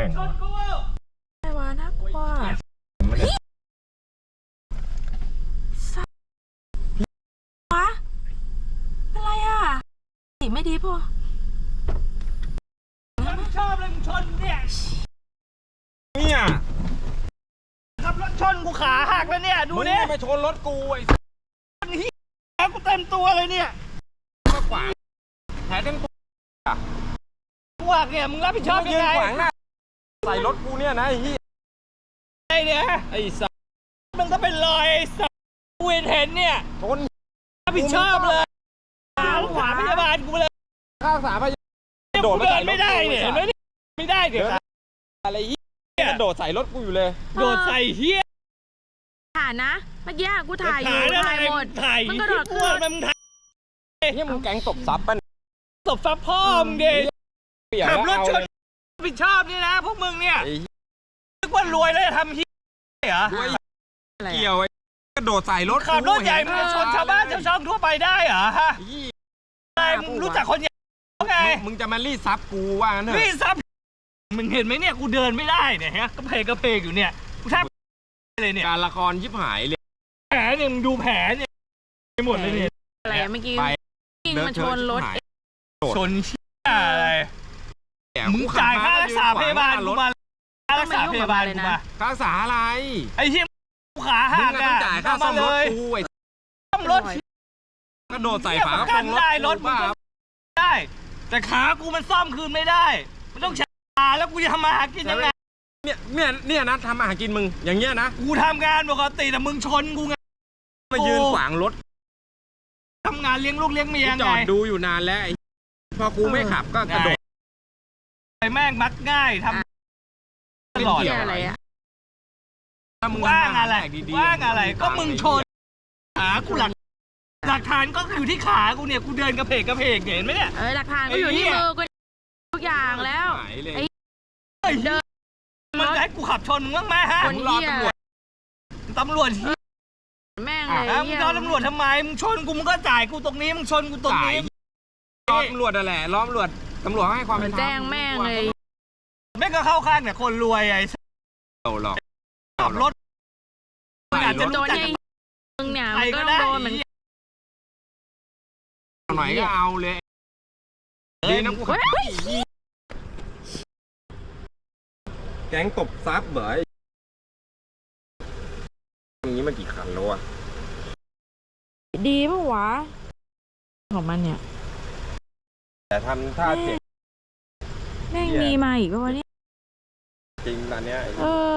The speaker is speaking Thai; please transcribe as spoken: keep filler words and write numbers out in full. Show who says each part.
Speaker 1: ง
Speaker 2: ไอ้วาน่ากลัวสัตว์วะอะไรอ่ะไม่ดีพอ
Speaker 1: มึงชอบเลยมึงชนเนี่ย
Speaker 3: เนี่ย
Speaker 1: ขับรถชนกูขาหักแล้วเนี่ยดูเนี่ย
Speaker 3: มึงมาชนรถกูไอ้
Speaker 1: คนเหี้ยกูเต็มตัวเลยเนี่ย
Speaker 3: ก็ขวางแผลเต็มตัว
Speaker 1: กูหักเนี่ยมึงรับผิดชอบยังไง
Speaker 3: ใส่รถกูเนี่ยนะไอ้เหี้ย
Speaker 1: ไอ้เนี่ยไอ้สัสมึงก็เป็นรอยไอ้สัสกูเห็นเห็นเนี่ย
Speaker 3: ชน
Speaker 1: รับผิดชอบเลยขาขวาพยาบาลกูเลย
Speaker 3: ข้าวสาพยา
Speaker 1: โดดเดินไม่ได้เนี่ยเห็นไหมไม่ได้เดี๋ยว
Speaker 3: อะไรเหี้ยโดดใส่รถกูอยู่เลย
Speaker 1: โดดใส่เหี้ย
Speaker 2: ถ่ายนะเมื่อกี้กูถ่ายอยู่ถ่ายหมด
Speaker 1: มันก็โดดขึ้นมึงถ่าย
Speaker 3: เนี่ยมึงแก๊งตบซับป่ะ
Speaker 1: ตบซับพ่อมึงดิขับรถชนผิดชอบนี่นะพวกมึงเนี่ยนึกว่ารวยแล้วจะทำเหี้ยเหรอ
Speaker 3: เกี่ยวไอ้กระโดดใส่รถ
Speaker 1: ขับรถใหญ่มึงจะชนชาวบ้านชาวช่องทั่วไปได้เหรอฮะอะไรมึงรู้จักคนใหญ่ไง
Speaker 3: มึงจะมารีดซับกูว่าเนี่ย
Speaker 1: รีดซับมึงเห็นไหมเนี่ยกูเดินไม่ได้เนี่ยฮะก็เพกก็เพกอยู่เนี่ยกูแทบเลยเนี่ย
Speaker 3: การละครยิบหายเลย
Speaker 1: แผลเนี่ยมึงดูแผลเนี่ยไปหมดเลยเนี่ย
Speaker 2: อะไรเมื่อกี้มันชนรถ
Speaker 1: ชนเชี่ยอะไรมึงจ่ายค่ารักษาพยาบาลกูมาค่ารักษาพยาบาลกูมา
Speaker 3: ค่ารักษาอะไร
Speaker 1: ไอ้เหี้ยกูขาหักอ่ะ
Speaker 3: จ่ายค่าซ่อมรถกูไอ้
Speaker 1: ซ่อมรถ
Speaker 3: กระโดดใส่ฝากระโปรงรถ
Speaker 1: ได้รถมึงได้แต่ขากูมันซ่อมคืนไม่ได้มันต้องใช้ขาแล้วกูจะทำมาหากินยังไง
Speaker 3: เนี่ยเนี่ยเนี่ยนะทำมาหากินมึงอย่างเงี้ยนะ
Speaker 1: กูทำงานปกติแต่มึงชนกูไง
Speaker 3: มายืนขวางรถ
Speaker 1: ทำงานเลี้ยงลูกเลี้ยงเมียไง
Speaker 3: จอดดูอยู่นานแล้วพอกูไม่ขับก็กระโดด
Speaker 1: ไอ้แม่งมักง่ายทำตลอด
Speaker 2: อะไรอะ
Speaker 1: ว่างอะไรว่างอะไรก็มึงชนขากูหลักหลักฐานก็อยู่ที่ขากูเนี่ยกูเดินกระเพกกระเพกเห็นไหมเนี่ย
Speaker 2: เออหลักฐานก็อยู่ที่มือกูทุกอย่างแล้วไอ้
Speaker 1: เดินมันให้กูขับชนมึงบ้างไหมฮะ
Speaker 2: มึงรอตำรวจ
Speaker 1: ตำรวจ
Speaker 2: แม่งเลย
Speaker 1: มึงรอตำรวจทำไมมึงชนกูมึงก็จ่ายกูตรงนี้มึงชนกูตรงนี้
Speaker 3: รอตำรวจนั่นแหละรอตำรวจตำรวจให้ความเป็นธรรม
Speaker 2: แจ้งแม่งเลย
Speaker 1: แม่งก็เข้าข้างเนี่ยคนรวยไอ้
Speaker 3: เราหรอก
Speaker 1: ขับรถ
Speaker 2: อาจจะโดนไอ้มึงเนี่ยมันก็โดนเหมือน
Speaker 3: หน่อยก็เอาเลยดีนะกูแก๊งตบซับเบ๋ยอย่างนี้มันกี่คันแล้วอะ
Speaker 2: ดีปะวะของมันเนี่ย
Speaker 3: แต่ทำท่าเจ็บ
Speaker 2: แม่งมีมาอีกปะวะเนี่ย
Speaker 3: จริงตอนเนี้ย
Speaker 2: เออ